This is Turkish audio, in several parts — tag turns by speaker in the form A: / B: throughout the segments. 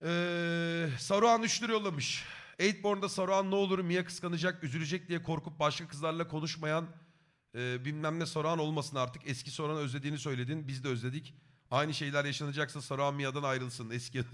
A: Saruhan 3 lira yollamış. Eightborn'da Saruhan ne olur Mia kıskanacak, üzülecek diye korkup başka kızlarla konuşmayan bilmem ne Saruhan olmasın artık. Eski Saruhan'ı özlediğini söyledin. Biz de özledik. Aynı şeyler yaşanacaksa Saruhan Mia'dan ayrılsın. Eski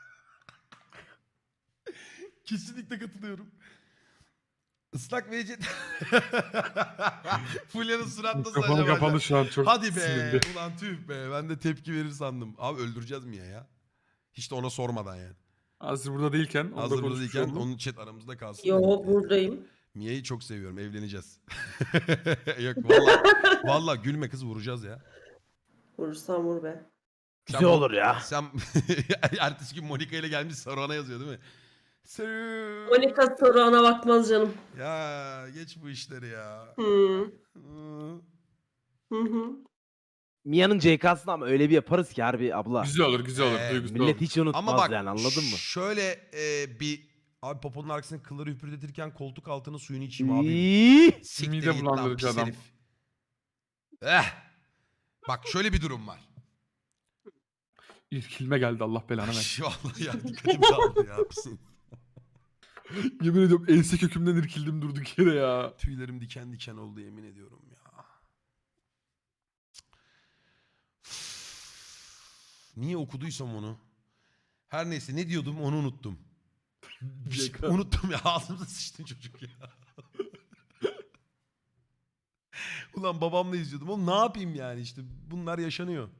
A: Kesinlikle katılıyorum. Islak VC... Fulya'nın surat
B: Kafanı kapalı şu an çok
A: Hadi be.
B: sinirli.
A: Ulan tüh be. Ben de tepki verir sandım. Abi öldüreceğiz Mia ya. Hiç de ona sormadan yani.
B: Hazır burada değilken onu da
A: Hazır burada
B: konuşmuş
A: değilken
B: oldum.
A: onun chat aramızda kalsın.
C: Yo buradayım.
A: Mia'yı çok seviyorum. Evleneceğiz. Yok valla. Valla gülme kız vuracağız ya.
C: Vurursam vur be.
D: Güzel olur ya.
A: Sen ertesi gün Monika ile gelmiş Saruhan'a yazıyor değil mi?
C: Monika Saruhan'a bakmaz canım.
A: Ya geç bu işleri ya.
C: Hı.
A: Hı.
C: Hı hı.
D: Mia'nın CK'sını ama öyle bir yaparız ki harbi abla.
B: Güzel olur, güzel olur.
A: Ee,
B: Duygusal
D: Millet
B: olur.
D: hiç unutmaz
A: Ama bak
D: yani, anladın mı?
A: şöyle bir abi poponun arkasına kılları hüpürdetirken koltuk altının suyunu içeyim abi.
D: İyi.
A: Siktir
B: Mide
A: git lan
B: bulandırıcı
A: pis
B: adam.
A: herif. Bak şöyle bir durum var.
B: İrkilme geldi, Allah belanı versin.
A: Vallahi ya dikkatim dağıldı ya. Pisin.
B: Yemin ediyorum ense kökümden irkildim durduk yere ya.
A: Tüylerim diken diken oldu yemin ediyorum ya. Niye okuduysam onu? Her neyse ne diyordum onu unuttum. Unuttum ya ağzımıza sıçtın çocuk ya. Ulan babamla izliyordum. Oğlum ne yapayım yani işte bunlar yaşanıyor.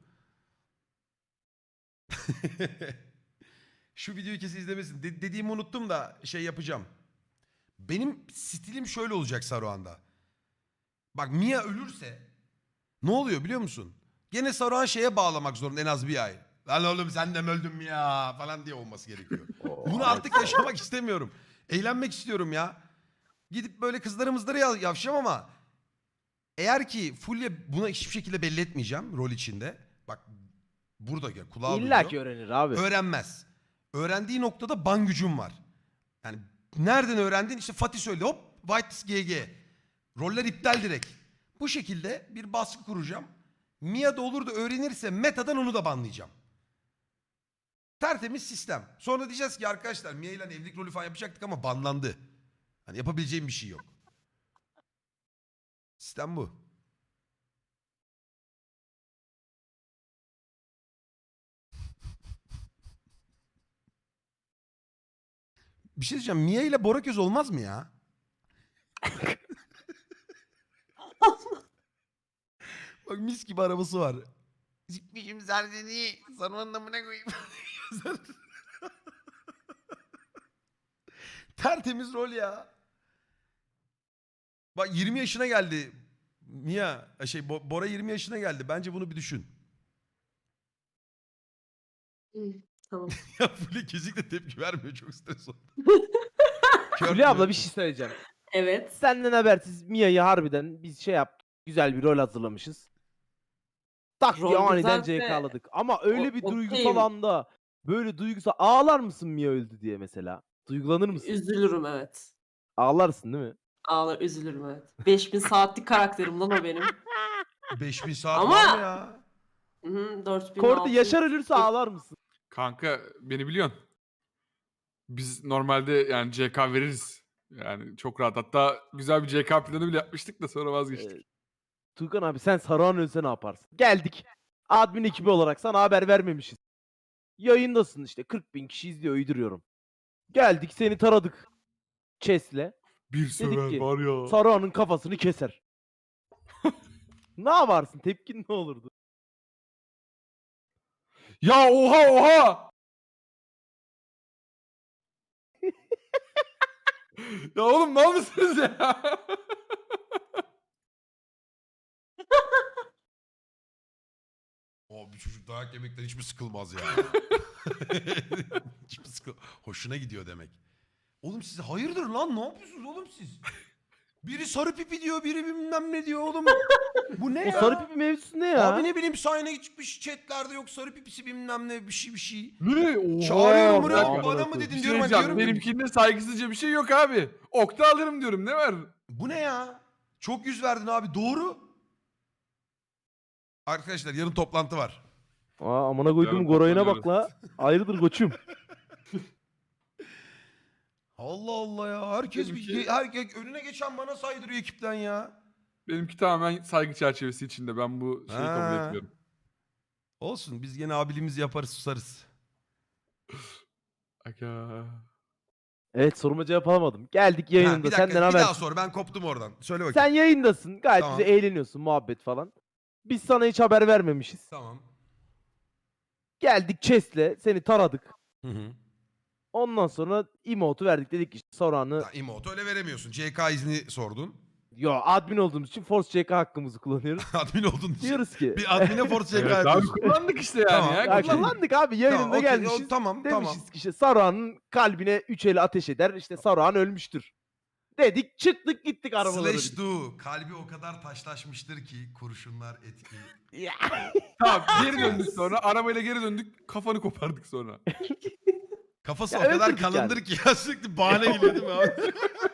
A: Şu videoyu kesin izlemesin. Dediğimi unuttum da şey yapacağım. Benim stilim şöyle olacak Saruhan'da. Bak Mia ölürse ne oluyor biliyor musun? Gene Saruhan şeye bağlamak zorunda en az bir ay. Lan oğlum sen de mi öldün mü ya falan diye olması gerekiyor. Bunu artık yaşamak istemiyorum. Eğlenmek istiyorum ya. Gidip böyle kızları yavşam ama eğer ki Fulya buna hiçbir şekilde belli etmeyeceğim rol içinde. Bak burada gel kulağa
D: İlla
A: duyuyor.
D: ki öğrenir abi.
A: Öğrenmez. Öğrendiği noktada ban gücüm var. Yani nereden öğrendin? İşte Fatih söyledi hop White GG. Roller iptal direkt. Bu şekilde bir baskı kuracağım. Mia da olur da öğrenirse metadan onu da banlayacağım. Tertemiz sistem. Sonra diyeceğiz ki arkadaşlar Mia ile evlilik rolü falan yapacaktık ama banlandı. Hani yapabileceğim bir şey yok. Sistem bu. Bir şey diyeceğim. Mia ile Bora Köz olmaz mı ya? Bak mis gibi arabası var. Zikmişim zerdeni. Sarmanın amına koyayım. Tertemiz rol ya. Bak 20 yaşına geldi. Mia, Bora 20 yaşına geldi. Bence bunu bir düşün.
C: Tamam.
A: Ya Fulya kesinlikle tepki vermiyor. Çok stres oldu.
D: Fulya abla bir şey söyleyeceğim.
C: Evet.
D: Senden habersiz Mia'yı harbiden biz şey yaptık. Güzel bir rol hazırlamışız. Tak diye
C: Rol
D: aniden
C: güzelse
D: CK'ladık. Ama öyle bir
C: okeyim.
D: duygusal anda böyle duygusal ağlar mısın Mia öldü diye mesela? Duygulanır mısın?
C: Üzülürüm evet.
D: Ağlarsın değil mi?
C: Ağlar üzülürüm evet. 5000 saatlik karakterim lan o benim.
A: 5000 saat
C: Ama-
A: var mı ya?
C: Hı, 4000
D: Kordi
C: 6000.
D: Yaşar ölürse ağlar mısın?
B: Kanka beni biliyorsun. Biz normalde yani CK veririz. Yani çok rahat. Hatta güzel bir CK planı bile yapmıştık da sonra vazgeçtik.
D: Tuğkan abi sen Saruhan ölse ne yaparsın? Geldik. Admin ekibi olarak sana haber vermemişiz. Yayındasın işte 40.000 kişi izliyor uyduruyorum. Geldik seni taradık. Chess'le.
B: Bir sever
D: ki,
B: var ya.
D: Saruhan'ın kafasını keser. Ne yaparsın? Tepkin ne olurdu?
B: Ya oha oha! Ya oğlum mal mısınız ya?
A: O bir çocuk dayak yemekten hiç mi sıkılmaz ya? Hiç mi Hoşuna gidiyor demek. Oğlum siz hayırdır lan ne yapıyorsunuz oğlum siz? Biri sarı pipi diyor biri bilmem ne diyor oğlum. Bu ne
D: O
A: ya?
D: sarı pipi mevzusu ne ya?
A: Abi ne bileyim sayına çıkmış chatlerde yok sarı pipisi bilmem ne bir şey.
B: Ne? Oha!
A: Çağırıyorum
B: Bir
A: buraya
B: dakika.
A: bana mı
B: Bir
A: dedin
B: şey
A: diyorum.
B: diyeceğim,
A: Diyorum ki,
B: benimkinde saygısızca bir şey yok abi. Okta alırım diyorum, ne var?
A: bu ne ya? Çok yüz verdin abi doğru. Arkadaşlar yarın toplantı var.
D: Aa amına koydum
B: Yarın
D: Goray'ına
B: toplanıyoruz.
D: bak la. Ayrıdır koçum.
A: Allah Allah ya. Herkes herkes önüne geçen bana saydırıyor ekipten ya.
B: Benimki tamamen saygı çerçevesi içinde. Ben bu şeyi kabul
A: Ha.
B: etmiyorum.
A: Olsun biz gene abiliğimizi yaparız susarız.
B: Aga.
D: Evet, soruma cevap alamadım. Geldik
A: Ha,
D: yayında.
A: bir dakika
D: Senden
A: bir
D: haber.
A: daha sor, ben koptum oradan. Söyle bakayım.
D: Sen yayındasın. Gayet
A: Tamam.
D: güzel eğleniyorsun, muhabbet falan. Biz sana hiç haber vermemişiz.
A: Tamam.
D: Geldik Chest'le seni taradık.
A: Hı hı.
D: Ondan sonra emote'u verdik. Dedik işte Saruhan'ı...
A: Ya, emote öyle veremiyorsun. CK izni sordun.
D: Yo, admin olduğumuz için Force CK hakkımızı kullanıyoruz.
A: Admin oldun için.
D: Diyoruz ki...
A: Bir admine force CK
B: Evet, abi
A: yapıyorsun.
B: kullandık işte yani
A: Tamam.
B: ya.
D: Ya
B: Kullandık.
D: kullandık abi, yayınında
A: Tamam, okey,
D: gelmişiz.
A: tamam,
D: Demişiz
A: tamam.
D: ki işte Saruhan'ın kalbine 3 eli ateş eder. İşte Saruhan ölmüştür. Dedik, çıktık gittik arabalara.
A: Slash do. Kalbi o kadar taşlaşmıştır ki kurşunlar etki.
D: Ya.
B: Tamam, geri döndük sonra. Arabayla geri döndük. Kafanı kopardık sonra.
A: Kafası
D: Ya
A: o kadar
D: öldürdük
A: kalındır ki ya, sürekli bahane geliyor değil mi abi?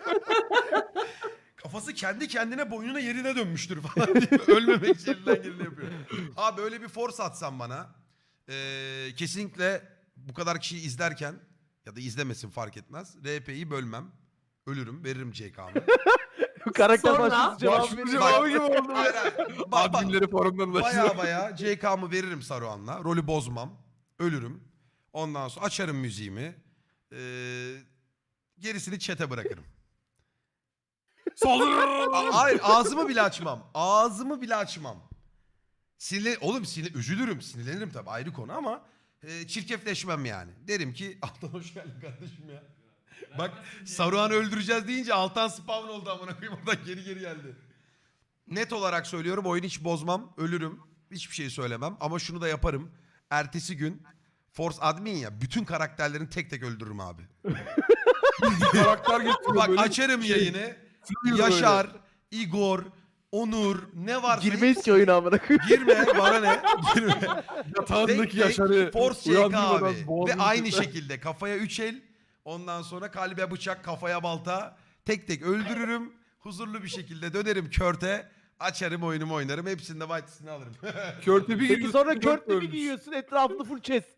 A: Kafası kendi kendine boynuna yerine dönmüştür falan diye ölmemek için elinden geleni yapıyor. Abi böyle bir force atsan bana kesinlikle bu kadar kişiyi izlerken ya da izlemesin fark etmez. RP'yi bölmem. Ölürüm, veririm CK'mı.
D: Karakter
C: Sonra-
D: başlısı cevabı
B: Başvuru
D: veriyor.
B: cevabı gibi oldu.
A: Hayır, hayır.
B: Adminleri forumdan ulaşıyor.
A: Baya CK'mı veririm Saruhan'la. Rolü bozmam. Ölürüm. Ondan sonra açarım müziğimi. Gerisini chat'e bırakırım.
B: Saldırın!
A: Hayır, ağzımı bile açmam. Ağzımı bile açmam. Oğlum üzülürüm, sinirlenirim tabii, ayrı konu ama çirkefleşmem yani. Derim ki Altan hoş geldin kardeşim ya. Bak Saruhan'ı öldüreceğiz deyince Altan spawn oldu amına koyayım, oradan geri geldi. Net olarak söylüyorum, oyunu hiç bozmam, ölürüm. Hiçbir şey söylemem ama şunu da yaparım. Ertesi gün Force admin ya, bütün karakterlerini tek tek öldürürüm abi.
B: Karakter getiriyor
A: Bak
B: böyle.
A: açarım yayını.
B: Sürüyor
A: Yaşar, Igor, Onur, ne varsa
D: Girmeyiz ki oyuna amına koyayım.
A: girme, bana ne? Girme.
B: Yatağındaki Yaşar'ı
A: Force CK
B: uyandırmadan
A: abi. Ve
B: boğazını
A: aynı
B: keser.
A: şekilde kafaya 3 el, ondan sonra kalbe bıçak, kafaya balta, tek tek öldürürüm. Huzurlu bir şekilde dönerim körte, açarım oyunumu oynarım, hepsinde white'sini alırım.
B: Körte bir
D: Peki
B: giriyorsun,
D: sonra
B: dört
D: Kört'le bir
B: ölmüş.
D: giyiyorsun, etrafında full chest.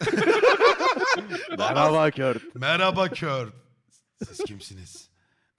D: Merhaba Kört.
A: Merhaba Kurt. Siz kimsiniz?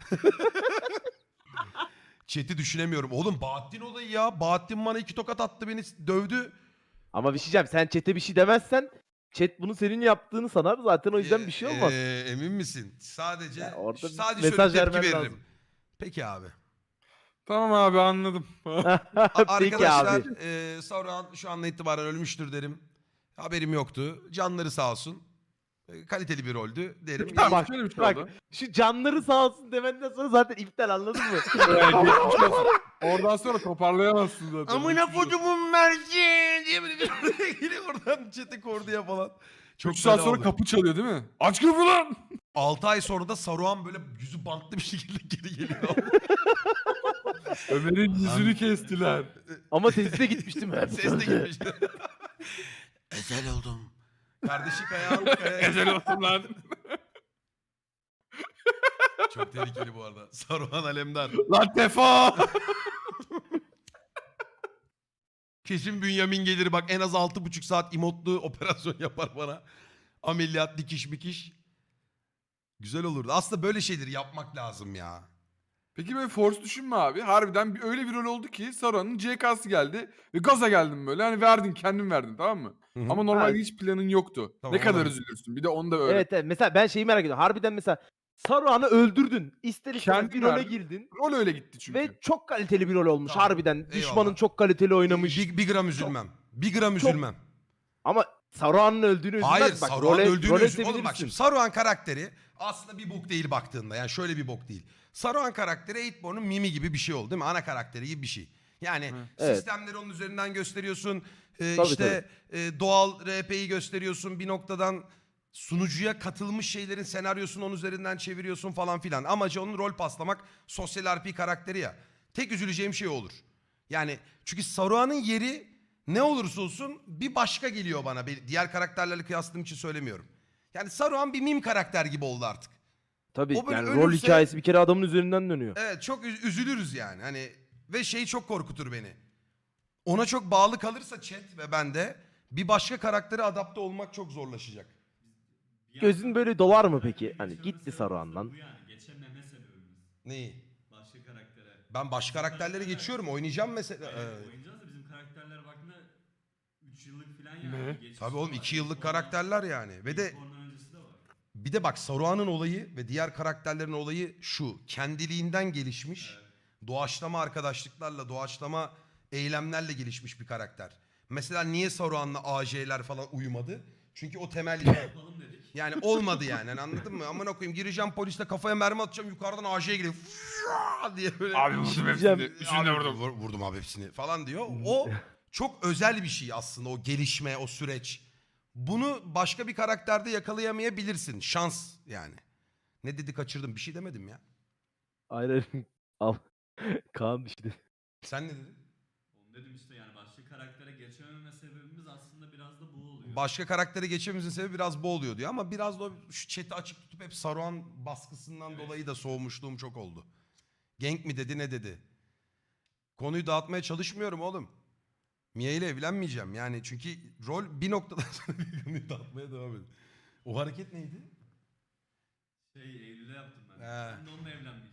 A: Chat'i düşünemiyorum. Oğlum Bahattin olayı ya. Bahattin bana 2 tokat attı, beni dövdü.
D: Ama bir şey diyeceğim, sen chat'e bir şey demezsen chat bunu senin yaptığını sanar, zaten o yüzden bir şey olmaz.
A: Emin misin? Sadece
D: Ya orada bir
A: sadece
D: mesaj
A: şöyle tepki
D: vermen
A: veririm.
D: lazım.
A: Peki abi.
B: Tamam abi anladım.
D: Peki
A: Arkadaşlar
D: abi.
A: Sauron şu andan itibaren ölmüştür derim. Haberim yoktu. Canları sağ olsun. Kaliteli bir roldü derim.
B: Peki, tamam,
D: Bak,
B: şöyle bir şey
D: bak.
B: oldu.
D: Şu canları sağ olsun demenden sonra zaten iptal, anladın mı?
B: Geçmiş olsun. Oradan sonra toparlayamazsın zaten.
A: Amına
B: Geçmiş olsun.
A: kodumun merci diye böyle bir giriyor oradan chat'e korduya falan. Çok
B: 3 saat
A: fena
B: sonra
A: oldu.
B: kapı çalıyor değil mi? Aç kapı lan!
A: 6 ay sonra da Saruhan böyle yüzü bantlı bir şekilde geri geliyor.
B: Ömer'in yüzünü kestiler.
D: Ama sesi de gitmişti mi?
A: Ses de gitmiş. Ezel oldum. Kardeşi Kaya.
B: Ezel olsun lan.
A: Çok tehlikeli bu arada. Saruhan Alemdar.
B: Lan defo!
A: Kesin Bünyamin gelir bak, en az 6,5 saat imotlu operasyon yapar bana. Ameliyat, dikiş mikiş. Güzel olurdu. Aslında böyle şeyleri yapmak lazım ya.
B: Peki böyle Force düşünme abi. Harbiden öyle bir rol oldu ki Sauron'un CK'sı geldi ve gaza geldim böyle. Hani verdin, kendin verdin, tamam mı?
A: Hı hı.
B: Ama normalde
D: Evet.
B: hiç planın yoktu.
A: Tamam,
B: ne kadar
A: olabilir.
B: üzülürsün. Bir de onu da öğren.
D: Evet, evet. Mesela ben şeyi merak ediyorum. Harbiden mesela Saruhan'ı öldürdün. İster istemez
B: Kendin
D: bir role
B: verdin.
D: girdin.
B: Rol öyle gitti çünkü.
D: Ve çok kaliteli bir rol olmuş
A: Tamam,
D: harbiden. Düşmanın
A: eyvallah.
D: çok kaliteli oynamış.
A: Bir gram üzülmem. Bir gram
D: Çok-
A: üzülmem.
D: Ama Saruhan'ın öldüğünü üzülmez.
A: Hayır,
D: Bak,
A: Saruhan öldüğünü
D: role
A: üzül. Oğlum bak
D: sevinirsin.
A: şimdi Saruhan karakteri aslında bir bok değil baktığında. Yani şöyle bir bok değil. Saruhan karakteri Eightborn'un Mimi gibi bir şey oldu değil mi? Ana karakteri gibi bir şey. Yani
D: Evet.
A: sistemleri onun üzerinden gösteriyorsun.
D: Tabii,
A: İşte doğal RP'yi gösteriyorsun. Bir noktadan sunucuya katılmış şeylerin senaryosunu onun üzerinden çeviriyorsun falan filan. Amacı onun rol paslamak, sosyal RP karakteri ya. Tek üzüleceğim şey olur. Yani çünkü Saruhan'ın yeri ne olursa olsun bir başka geliyor bana. Diğer karakterlerle kıyasladığım için söylemiyorum. Yani Saruhan bir meme karakter gibi oldu artık.
D: Tabii
A: O böyle
D: yani rol
A: ölürse-
D: hikayesi bir kere adamın üzerinden dönüyor.
A: Evet, çok üzülürüz yani. Hani ve şey çok korkutur beni. Ona çok bağlı kalırsa chat ve ben de bir başka karaktere adapte olmak çok zorlaşacak.
D: Gözün böyle dolar mı peki? Hani gitti Saruhan'dan.
E: Bu yani geçememe sebebimiz.
A: Neyi?
E: Başka karaktere.
A: Ben başka karakterleri geçiyorum. Oynayacağım mesela.
E: Evet, oynayacağız da bizim karakterler baktığında 3 yıllık falan yani.
B: Ne?
E: Bir geçmişi
A: Tabii oğlum
E: var.
A: 2 yıllık
E: Ondan-
A: karakterler yani. Ve de
E: Ondan öncesi de var.
A: bir de bak Saruhan'ın olayı ve diğer karakterlerin olayı şu. Kendiliğinden gelişmiş.
E: Evet.
A: Doğaçlama arkadaşlıklarla, doğaçlama eylemlerle gelişmiş bir karakter. Mesela niye Saruhan'la AJ'ler falan uyumadı? Çünkü o temel
E: Yapalım dedik.
A: yani olmadı yani. Hani anladın mı? Amına koyayım gireceğim polisle kafaya mermi atacağım yukarıdan AJ'ye geliyor. diye böyle.
B: Abi vurdum
D: Diyeceğim.
B: hepsini. Üçünü de vurdum.
A: Vurdum abi hepsini falan diyor. O çok özel bir şey aslında o gelişme, o süreç. Bunu başka bir karakterde yakalayamayabilirsin. Şans yani. Ne dedi kaçırdım bir şey demedim ya.
D: Aynen. Al. Kaan düştü.
A: Sen ne dedin?
E: Onu dedim işte yani başka karaktere geçememe sebebimiz aslında biraz da bu oluyor.
A: Başka karaktere geçmemizin sebebi biraz bu oluyor diyor ama biraz da o şu chat'i açık tutup hep Saruhan baskısından
E: Evet.
A: dolayı da soğumuşluğum çok oldu. Genk mi dedi ne dedi? Konuyu dağıtmaya çalışmıyorum oğlum. Mia ile evlenmeyeceğim yani çünkü rol bir noktadan sonra konuyu dağıtmaya devam ediyor. O hareket neydi?
E: Eylül'e yaptım ben.
A: He.
E: Ben de onunla evlenmeyeceğim.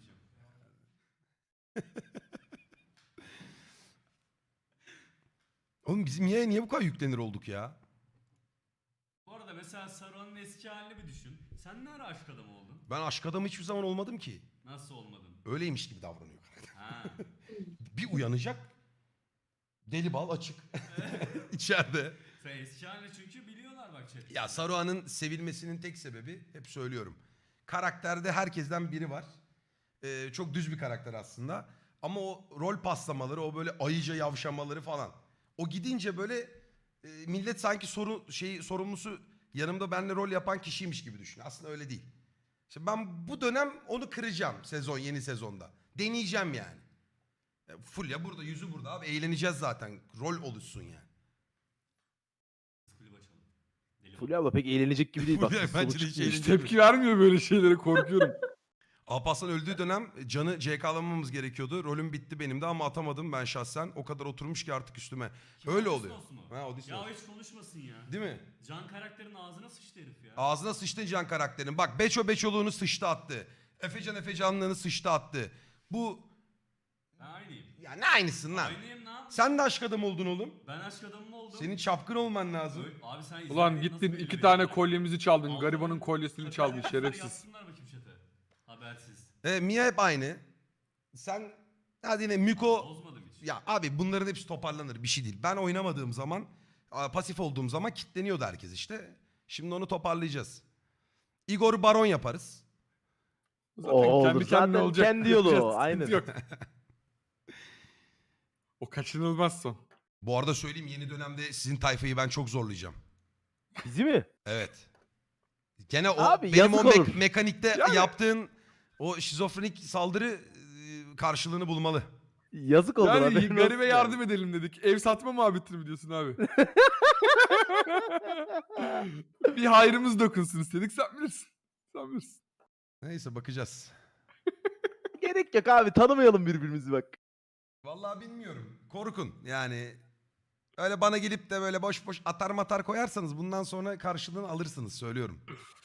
A: Oğlum bizim Mia'ya niye bu kadar yüklenir olduk ya?
E: Bu arada mesela Saruhan'ın eski halini bir düşün. Sen ne ara aşk adamı oldun?
A: Ben aşk adamı hiçbir zaman olmadım ki.
E: Nasıl olmadın?
A: Öyleymiş gibi davranıyor.
E: Ha.
A: Bir uyanacak. Deli bal açık. İçeride.
E: Sen eski halini çünkü biliyorlar bak chat.
A: Ya Saruhan'ın sevilmesinin tek sebebi hep söylüyorum. Karakterde herkesten biri var. Çok düz bir karakter aslında. Ama o rol paslamaları, o böyle ayıca yavşamaları falan. O gidince böyle millet sanki sorumlusu yanımda benimle rol yapan kişiymiş gibi düşünüyor. Aslında öyle değil. İşte ben bu dönem onu kıracağım yeni sezonda. Deneyeceğim yani. Fulya burada, yüzü burada abi. Eğleneceğiz zaten. Rol oluşsun yani.
E: Kulüp açalım. Deli
D: Fulya abla pek eğlenecek gibi değil. Bak
A: Fulya
D: solu
A: bence de hiç
D: çıkmıyor.
B: Hiç
A: eğlenceli.
B: tepki vermiyor böyle şeylere, korkuyorum.
A: Alparslan öldüğü dönem Can'ı CK'lamamız gerekiyordu. Rolüm bitti benim de ama atamadım ben şahsen. O kadar oturmuş ki artık üstüme.
E: Kim,
A: Öyle
E: Odysseus
A: oluyor.
E: mu?
A: Ha, Odysseus.
E: Ya hiç konuşmasın ya.
A: Değil mi?
E: Can karakterin ağzına sıçtı herif ya.
A: Ağzına sıçtı Can karakterin. Bak Beçoluğunu sıçtı attı. Efecanlığını sıçtı attı. Bu
E: Ben aynıyım.
A: ya ne aynısın lan?
E: Aynıyım ne yapayım?
A: Sen de aşk adamı oldun oğlum.
E: Ben aşk adamı mı oldum?
A: Senin çapkın olman lazım.
E: Abi sen
B: Ulan
E: izlemedin,
B: gittin
E: nasıl
B: 2
E: belli
B: tane
E: benim?
B: kolyemizi çaldın.
E: Allah'ım,
B: Garibanın kolyesini
E: chat'e
B: çaldın
E: yazsınlar,
B: şerefsiz.
E: Yazsınlar bakayım chat'e. Habersiz.
A: Mia hep aynı. Sen hadi yine Miko.
E: Bozmadım hiç.
A: Ya abi bunların hepsi toparlanır bir şey değil. Ben oynamadığım zaman pasif olduğum zaman kitleniyordu herkes işte. Şimdi onu toparlayacağız. Igor Baron yaparız.
B: Zaten
D: O olur.
B: kendi kendine
D: Zaten
B: olacak.
D: kendi yolu o,
B: Sıkıntı
D: aynen.
B: yok. O kaçınılmaz son.
A: Bu arada söyleyeyim yeni dönemde sizin tayfayı ben çok zorlayacağım.
D: Bizi mi?
A: Evet. Gene o
D: Abi,
A: benim o
D: yazık olur.
A: mekanikte
B: Yani-
A: yaptığın o şizofrenik saldırı karşılığını bulmalı.
D: Yazık oldu.
B: Yani
D: haberin olsun
B: garibe
D: yani.
B: yardım edelim dedik. Ev satma muhabbetini mi diyorsun abi? Bir hayrımız dokunsun istedik. Sen bilirsin. Sen bilirsin.
A: Neyse bakacağız.
D: Gerek yok abi, tanımayalım birbirimizi bak.
A: Vallahi bilmiyorum. Korkun yani. Öyle bana gelip de böyle boş boş atar matar koyarsanız bundan sonra karşılığını alırsınız söylüyorum.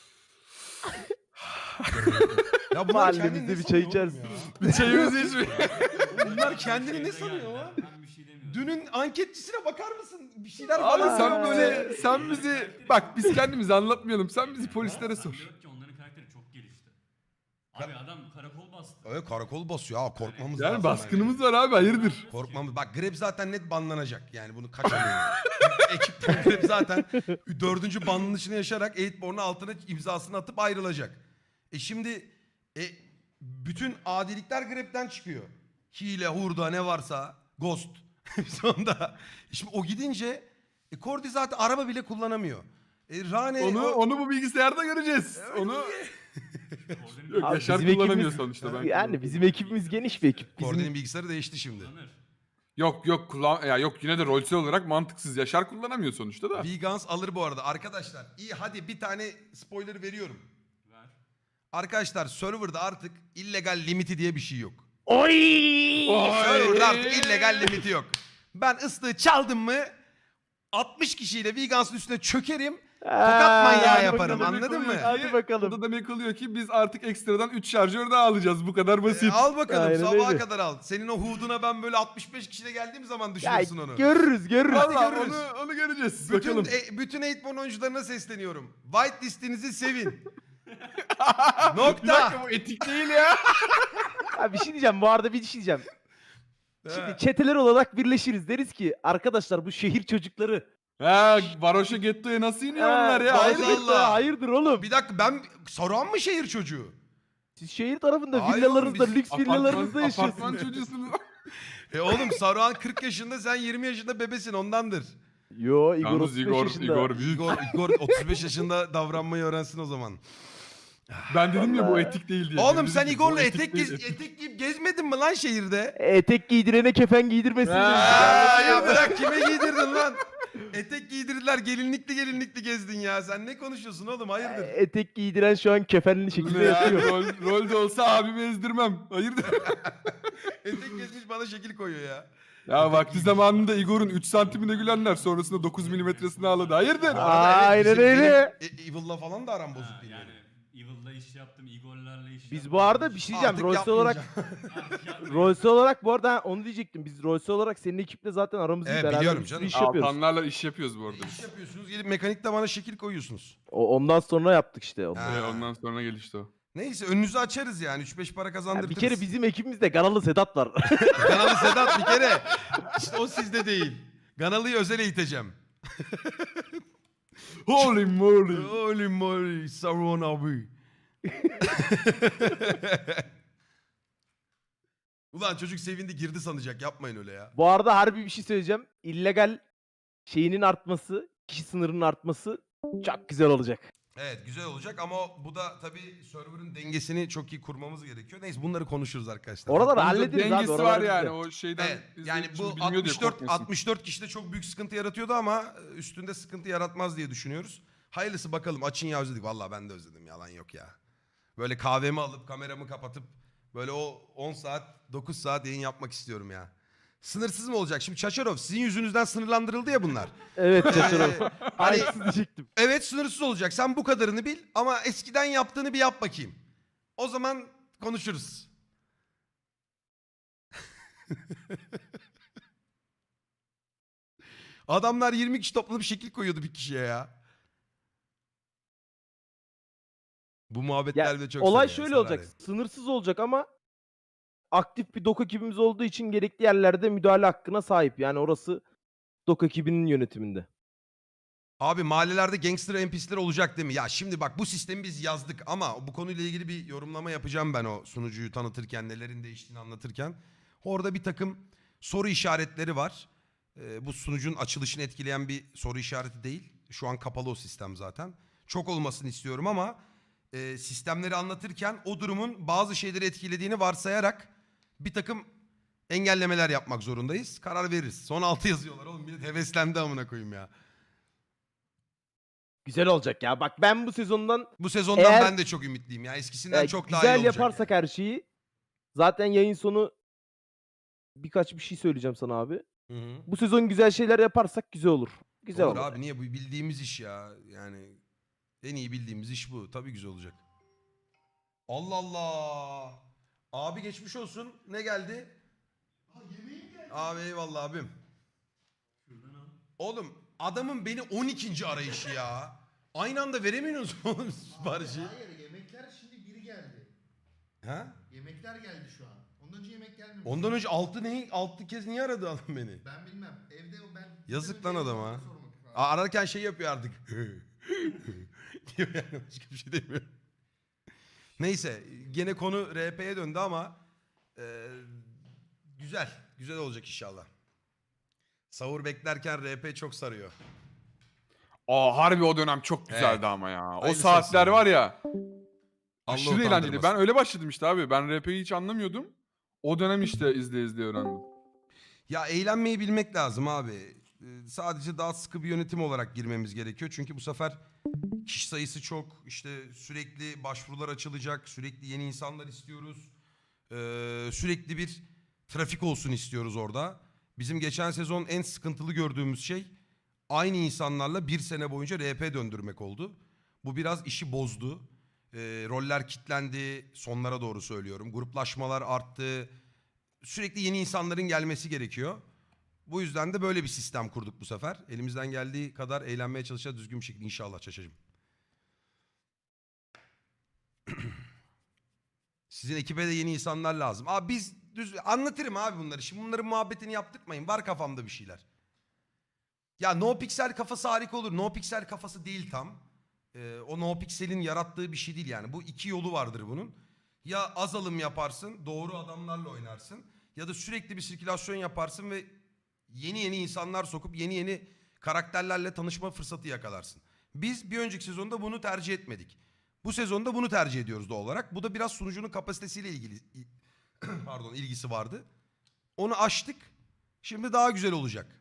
A: Ya bunlar kendini
D: Mahallemizde
A: ne
D: bir çay
A: sanıyor oğlum
D: içersin.
A: ya?
B: Çayımızı içmeyin.
A: Bunlar kendini ne
E: Şeyde
A: sanıyor
E: geldiler,
A: ya?
E: Ben bir şey demiyorum.
A: Dünün anketçisine bakar mısın? Bir şeyler
B: Abi
A: falan
B: sen
A: söylüyor
B: böyle, sen bizi, bak biz kendimizi anlatmayalım. Sen bizi polislere sor.
E: Diyor ki onların karakteri çok gelişti. Abi adam karakol bastı.
A: Evet karakol basıyor ha korkmamız
B: Yani
A: lazım.
B: baskınımız var abi, hayırdır?
A: Korkmamız. Bak Greb zaten net banlanacak. Yani bunu kaçırmayın. Ekipten Greb zaten 4. bandın içine yaşarak Eightborn'un altına imzasını atıp ayrılacak. Şimdi bütün adilikler Greb'den çıkıyor. Hile, hurda ne varsa, ghost. Sonunda. Şimdi o gidince Kordi zaten araba bile kullanamıyor. Rane
B: Onu bu bilgisayarda göreceğiz. Onu yok,
D: Abi
B: Yaşar
D: bizim
B: kullanamıyor
D: ekibimiz-
B: sonuçta. Ben
D: Yani
B: kullanıyorum.
D: bizim ekibimiz geniş bir ekip.
A: Kordi'nin
D: Bizim
A: bilgisayarı değişti şimdi.
E: Kullanır.
B: Yok ya yok, yine de rolsel olarak mantıksız. Yaşar kullanamıyor sonuçta da.
A: Vegans alır bu arada. Arkadaşlar iyi hadi bir tane spoiler veriyorum.
E: Ver.
A: Arkadaşlar serverda artık illegal limiti diye bir şey yok.
D: Oy!
A: Serverda artık illegal limiti yok. Ben ıslığı çaldım mı 60 kişiyle Vegans'ın üstüne çökerim. Tokat manyağı
D: hadi
A: yaparım,
D: bakalım.
A: anladın mı?
D: Hadi bakalım.
B: Bu da demek oluyor ki biz artık ekstradan 3 şarjör daha alacağız. Bu kadar basit.
A: Al bakalım,
D: Aynen
A: sabaha
D: öyle.
A: kadar al. Senin o huduna ben böyle 65 kişiyle geldiğim zaman
D: Ya
A: düşünürsün onu.
D: görürüz görürüz.
B: Valla
A: görürüz.
B: onu göreceğiz.
A: Bütün,
B: Bakalım.
A: bütün 8 oyuncularına sesleniyorum. White listinizi sevin.
B: Bir
A: Nokta.
B: dakika, bu etik değil ya.
D: Ya bir şey diyeceğim, bu arada bir şey diyeceğim. Şimdi
A: He.
D: çeteler olarak birleşiriz. Deriz ki arkadaşlar bu şehir çocukları.
B: Ha, Varoş'a Getto'ya nasıl iniyor
D: Ha,
B: onlar ya?
A: Allah
B: Hayır.
A: Allah.
D: Hayırdır oğlum?
A: Bir dakika, ben Saruhan mı şehir çocuğu?
D: Siz şehir tarafında
A: Hayır
D: villalarınızda,
A: oğlum, biz
D: lüks villalarınızda
B: Apartman
D: yaşıyorsunuz.
B: çocuğusunuz.
A: Oğlum Saruhan 40 yaşında, sen 20 yaşında bebesin, ondandır.
D: Yo Igor
B: Yalnız
D: 35
B: Igor,
D: yaşında.
A: Igor 35 yaşında davranmayı öğrensin o zaman.
B: Ben dedim ya bu
D: Vallahi.
B: etik değil diye.
A: Oğlum
B: Dedim
A: sen
B: ki,
A: Igor'la
B: bu
A: etek,
B: değil, etik.
A: etek giyip gezmedin mi lan şehirde?
D: Etek giydirene kefen giydirmesin demiş.
A: Ya bırak, kime giydirdin lan? Etek giydirdiler, gelinlikli gezdin ya. Sen ne konuşuyorsun oğlum, hayırdır?
D: Etek giydiren şu an kefenli şekilde
B: Ne ya?
D: yatıyor.
B: Rolde olsa abimi ezdirmem. Hayırdır?
A: Etek gezmiş bana şekil koyuyor ya.
B: Ya vakti zamanında Igor'un 3 santimine gülenler sonrasında 9 milimetresini ağladı. Hayırdır?
A: Bu arada
D: Aynen
A: bizim-
D: öyle.
A: benim Evil'la falan da aram bozuk
E: Ha,
A: değil.
E: yani Evil'la iş yaptım, Igor'larla iş yaptım.
D: Biz bu arada bir şey diyeceğim.
A: Artık
D: Rolls olarak
E: yapmayacağım.
D: Rolls olarak bu arada onu diyecektim. Biz Rolls olarak senin ekiple zaten aramızda
A: Evet,
D: beraber
A: biliyorum
D: bir sürü
A: canım.
D: iş yapıyoruz.
B: Altanlarla iş yapıyoruz bu arada
A: İş
B: biz.
A: yapıyorsunuz, gelip mekanikte bana şekil koyuyorsunuz.
D: Ondan sonra yaptık işte onu.
A: Ha.
B: Ondan sonra gelişti o.
A: Neyse, önünüzü açarız yani, 3-5 para
D: Ya
A: kazandırırız.
D: bir kere bizim ekibimizde Ganalı Sedat var.
A: Ganalı Sedat bir kere. İşte o sizde değil. Ganalı'yı özel eğiteceğim.
B: Holy moly.
A: Holy moly, Saruhan abi. Ulan çocuk sevindi, girdi sanacak, yapmayın öyle ya.
D: Bu arada harbi bir şey söyleyeceğim. İllegal şeyinin artması, kişi sınırının artması çok güzel olacak.
A: Evet, güzel olacak ama bu da tabii server'ın dengesini çok iyi kurmamız gerekiyor. Neyse, bunları konuşuruz arkadaşlar.
D: Oraları
B: Bunda
D: hallederiz abi.
B: dengesi
D: oralar
B: var yani
D: bizde.
B: o şeyden.
A: Evet, yani
B: izleyip
A: bu
B: şimdi bilmiyor diye
A: 64
B: korkmasın.
A: 64 kişide çok büyük sıkıntı yaratıyordu ama üstünde sıkıntı yaratmaz diye düşünüyoruz. Hayırlısı bakalım, açın ya, özledik. Vallahi ben de özledim, yalan yok ya. Böyle kahvemi alıp kameramı kapatıp böyle o 10 saat 9 saat yayın yapmak istiyorum ya. Sınırsız mı olacak? Şimdi Çaçarov, sizin yüzünüzden sınırlandırıldı ya bunlar.
D: Evet Çaçarov.
A: Hani-
D: Aynısını diyecektim.
A: Evet, sınırsız olacak. Sen bu kadarını bil ama eskiden yaptığını bir yap bakayım. O zaman konuşuruz. Adamlar 20 kişi toplanıp şekil koyuyordu bir kişiye ya. Bu muhabbetler
D: Ya,
A: de çok
D: olay
A: sarıyor,
D: şöyle
A: sarar
D: olacak.
A: yani.
D: Sınırsız olacak ama aktif bir dok ekibimiz olduğu için gerekli yerlerde müdahale hakkına sahip. Yani orası dok ekibinin yönetiminde.
A: Abi mahallelerde gangster NPC'ler olacak değil mi? Ya şimdi bak, bu sistemi biz yazdık ama bu konuyla ilgili bir yorumlama yapacağım ben o sunucuyu tanıtırken, nelerin değiştiğini anlatırken. Orada bir takım soru işaretleri var. Bu sunucunun açılışını etkileyen bir soru işareti değil. Şu an kapalı o sistem zaten. Çok olmasını istiyorum ama sistemleri anlatırken o durumun bazı şeyleri etkilediğini varsayarak bir takım engellemeler yapmak zorundayız. Karar veririz. Son 6 yazıyorlar oğlum. Millet heveslendi amına koyayım ya.
D: Güzel olacak ya. Bak ben bu sezondan
A: Bu sezondan
D: Eğer-
A: ben de çok ümitliyim ya. Eskisinden çok daha iyi
D: güzel
A: olacak.
D: yaparsak her şeyi zaten yayın sonu birkaç bir şey söyleyeceğim sana abi.
A: Hı-hı.
D: Bu sezon güzel şeyler yaparsak güzel olur. Güzel
A: Olur
D: olur.
A: abi, niye, bu bildiğimiz iş ya. Yani en iyi bildiğimiz iş bu. Tabii güzel olacak. Allah Allah. Abi geçmiş olsun. Ne geldi? Abi eyvallah abim.
E: Şuradan al.
A: Oğlum adamın beni 12. arayışı ya. Aynı anda veremiyorsunuz oğlum siparişi.
F: Hayır, yemekler şimdi biri geldi.
A: Ha?
F: Yemekler geldi şu an. Ondan önce yemek gelmemiş.
A: Ondan önce 6 kez niye aradı adam beni?
F: Ben bilmem. Evde ben...
A: Yazık lan
F: Evde
A: adama.
F: sormak lazım.
A: Ararken şey yapıyor artık. diyor yani, başka bir şey demiyor. Neyse, gene konu RP'ye döndü ama güzel. Güzel olacak inşallah. Sahur beklerken RP çok sarıyor.
B: Aa, harbi o dönem çok güzeldi
A: Evet.
B: ama ya. O
A: Hayırlısı
B: saatler
A: olsun
B: var ya.
A: Allah
B: Aşırı eğlenceli.
A: utandırmasın.
B: Ben öyle başladım işte abi. Ben RP'yi hiç anlamıyordum. O dönem işte izleye öğrendim.
A: Ya eğlenmeyi bilmek lazım abi. Sadece daha sıkı bir yönetim olarak girmemiz gerekiyor. Çünkü bu sefer kişi sayısı çok. İşte sürekli başvurular açılacak. Sürekli yeni insanlar istiyoruz. Sürekli bir trafik olsun istiyoruz orada. Bizim geçen sezon en sıkıntılı gördüğümüz şey aynı insanlarla bir sene boyunca RP döndürmek oldu. Bu biraz işi bozdu. Roller kilitlendi, sonlara doğru söylüyorum. Gruplaşmalar arttı. Sürekli yeni insanların gelmesi gerekiyor. Bu yüzden de böyle bir sistem kurduk bu sefer. Elimizden geldiği kadar eğlenmeye çalışacağız düzgün bir şekilde inşallah Çaşacığım. Sizin ekibe de yeni insanlar lazım. Abi biz anlatırım abi bunları. Şimdi bunların muhabbetini yaptırmayın. Var kafamda bir şeyler. Ya No Pixel kafası harika olur. No Pixel kafası değil tam. O No Pixel'in yarattığı bir şey değil yani. Bu iki yolu vardır bunun. Ya az alım yaparsın, doğru adamlarla oynarsın. Ya da sürekli bir sirkülasyon yaparsın ve yeni insanlar sokup yeni karakterlerle tanışma fırsatı yakalarsın. Biz bir önceki sezonda bunu tercih etmedik. Bu sezonda bunu tercih ediyoruz doğal olarak. Bu da biraz sunucunun kapasitesiyle ilgili pardon ilgisi vardı. Onu aştık. Şimdi daha güzel olacak.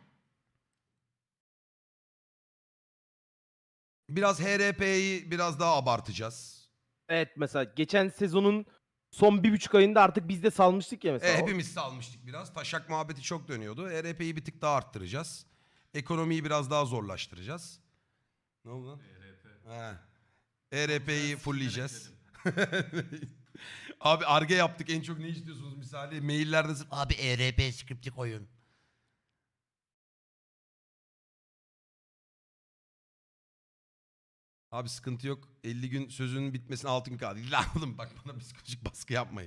A: Biraz HRP'yi biraz daha abartacağız.
D: Evet, mesela geçen sezonun son 1,5 ayında artık biz de salmıştık ya mesela.
A: Hepimiz salmıştık biraz. Taşak muhabbeti çok dönüyordu. HRP'yi bir tık daha arttıracağız. Ekonomiyi biraz daha zorlaştıracağız. Ne oldu lan?
E: ERP.
A: HRP'yi fullleyeceğiz. Abi Ar-Ge yaptık. En çok ne istiyorsunuz misali? Maillerde sırf abi ERP skripti koyun. Abi sıkıntı yok. 50 gün sözünün bitmesine 6 gün kaldı. Lan oğlum bak bana psikolojik baskı yapmayın.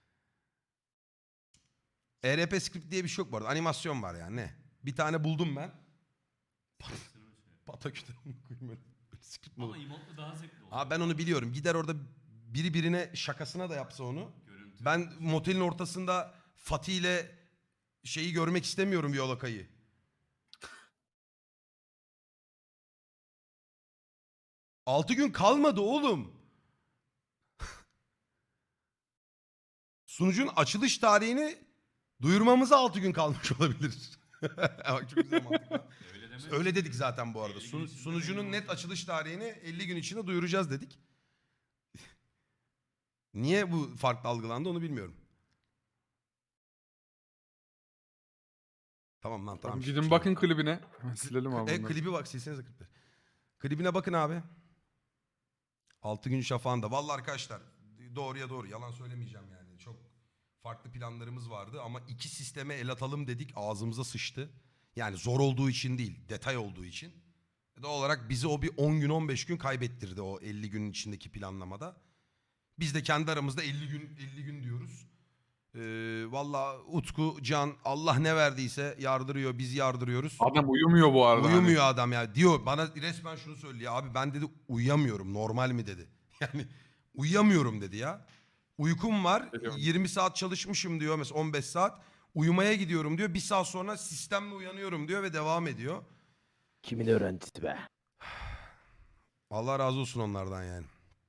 A: ERP script diye bir şey yok bu arada. Animasyon var yani ne? Bir tane buldum ben. Pataküte koyayım öyle. Script mi olur?
E: Ama emotlu daha zevkli olur.
A: Abi ben onu biliyorum. Gider orada biri birine şakasına da yapsa onu.
E: Görüntü.
A: Ben motelin ortasında Fatih ile şeyi görmek istemiyorum Yolakay'ı. Altı gün kalmadı oğlum. Sunucun açılış tarihini duyurmamıza 6 gün kalmış olabilir. Bak çok güzel mantıklı.
E: Öyle demek.
A: Öyle dedik zaten bu arada.
E: 50 gün içinde
A: Sunucunun
E: belli
A: net
E: olacak.
A: açılış tarihini 50 gün içinde duyuracağız dedik. Niye bu farklı algılandı onu bilmiyorum. Tamam lan tamam.
B: Gidin bakın klibine. Silelim abi bunları.
A: Klibi bak silsenize klipleri. Klibine bakın abi. 6 gün şafağında. Vallahi arkadaşlar doğruya doğru yalan söylemeyeceğim yani. Çok farklı planlarımız vardı ama iki sisteme el atalım dedik ağzımıza sıçtı. Yani zor olduğu için değil detay olduğu için. Doğal olarak bizi o bir 10 gün 15 gün kaybettirdi o 50 günün içindeki planlamada. Biz de kendi aramızda 50 gün diyoruz. Vallahi Utku, Can Allah ne verdiyse yardırıyor biz yardırıyoruz.
B: Adam uyumuyor bu arada.
A: Uyumuyor adam ya. Diyor bana resmen şunu söylüyor. Abi ben dedi uyuyamıyorum. Normal mi dedi. Yani uyuyamıyorum dedi ya. Uykum var.
B: Biliyorum.
A: 20 saat çalışmışım diyor. Mesela 15 saat. Uyumaya gidiyorum diyor. Bir saat sonra sistemle uyanıyorum diyor ve devam ediyor.
D: Kimin öğrencisi be?
A: Allah razı olsun onlardan yani.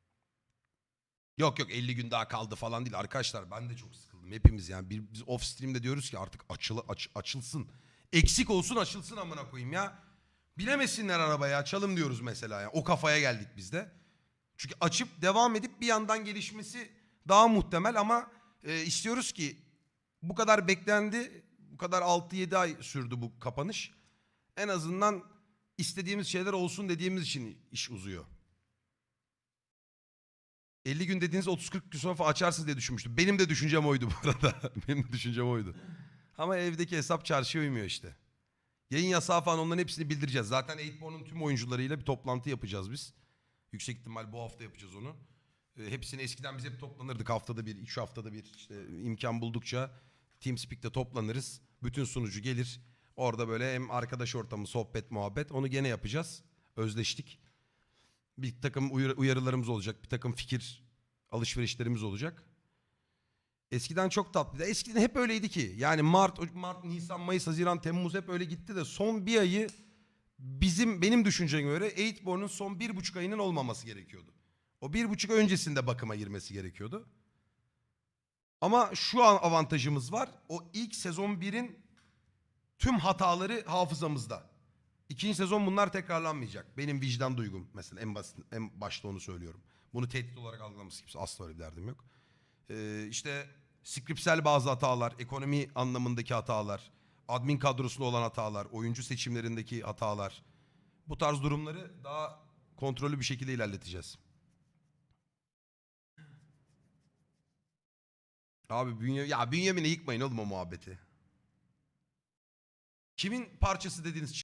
A: Yok 50 gün daha kaldı falan değil. Arkadaşlar ben de çok sıkıldım. Hepimiz yani. Biz off stream'de diyoruz ki artık açılsın. Eksik olsun açılsın amına koyayım ya. Bilemesinler arabaya açalım diyoruz mesela ya. O kafaya geldik biz de. Çünkü açıp devam edip bir yandan gelişmesi daha muhtemel ama istiyoruz ki bu kadar beklendi. Bu kadar 6-7 ay sürdü bu kapanış. En azından istediğimiz şeyler olsun dediğimiz için iş uzuyor. 50 gün dediğiniz 30-40 gün sonra falan açarsınız diye düşünmüştüm. Benim de düşüncem oydu bu arada. Benim de düşüncem oydu. Ama evdeki hesap çarşıya uymuyor işte. Yayın yasağı falan onların hepsini bildireceğiz. Zaten 8born'un tüm oyuncularıyla bir toplantı yapacağız biz. Yüksek ihtimal bu hafta yapacağız onu. Hepsini eskiden biz hep toplanırdık haftada bir, 3 haftada bir işte imkan buldukça TeamSpeak'te toplanırız. Bütün sunucu gelir. Orada böyle hem arkadaş ortamı, sohbet, muhabbet onu gene yapacağız. Özleştik. Bir takım uyarılarımız olacak. Bir takım fikir alışverişlerimiz olacak. Eskiden çok tatlıydı. Eskiden hep öyleydi ki. Yani Mart, Nisan, Mayıs, Haziran, Temmuz hep öyle gitti de son bir ayı benim düşünceme göre 8born'un son 1,5 ayının olmaması gerekiyordu. O 1,5 öncesinde bakıma girmesi gerekiyordu. Ama şu an avantajımız var. O ilk sezon 1'in tüm hataları hafızamızda. İkinci sezon bunlar tekrarlanmayacak. Benim vicdan duygum mesela en başta onu söylüyorum. Bunu tehdit olarak algılaması kimse asla öyle bir derdim yok. İşte skriptsel bazı hatalar, ekonomi anlamındaki hatalar, admin kadrosunda olan hatalar, oyuncu seçimlerindeki hatalar. Bu tarz durumları daha kontrollü bir şekilde ilerleteceğiz. Abi Bünyamin'e yıkmayın oğlum o muhabbeti. Kimin parçası dediğiniz